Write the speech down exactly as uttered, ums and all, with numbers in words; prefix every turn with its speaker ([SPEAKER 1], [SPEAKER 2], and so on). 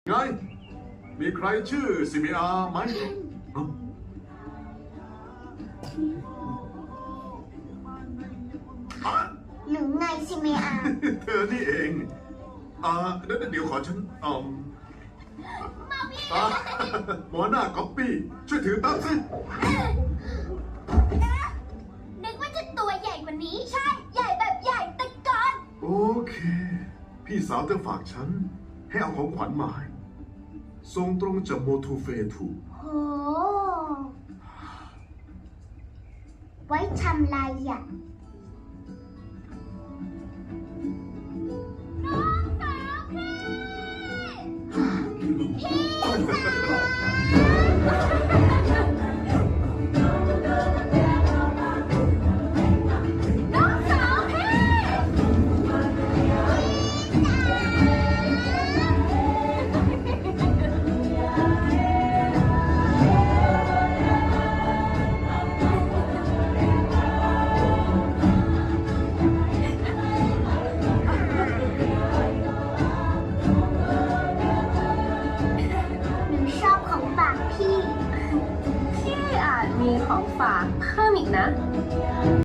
[SPEAKER 1] ไงมีใครชื่อซิมิอาไหมเอ้า อ่ะ
[SPEAKER 2] หรือไงซิเมอา
[SPEAKER 1] เธอนี่เองอ่าเดี๋ยวเดี๋ยวขอฉันอืมอ่าหมอหน้าก๊อปปี้ช่วยถือตั้งสิ
[SPEAKER 2] นึกว่าจะตัวใหญ่กว่านี้ ใช่ ใหญ่แบบใหญ่แต่ก่อน
[SPEAKER 1] โอเค พี่สาวเธอฝากฉัน ให้เอาของขวัญมาให้ส่งตรงจากโมทูเฟทู
[SPEAKER 2] โห ไว้ทำลายอ่ะน้องสาวพี่พี่น้องสาวพี่หนูชอบของฝากพี่
[SPEAKER 3] พี่อาจมีของฝากเพิ่มอีกนะ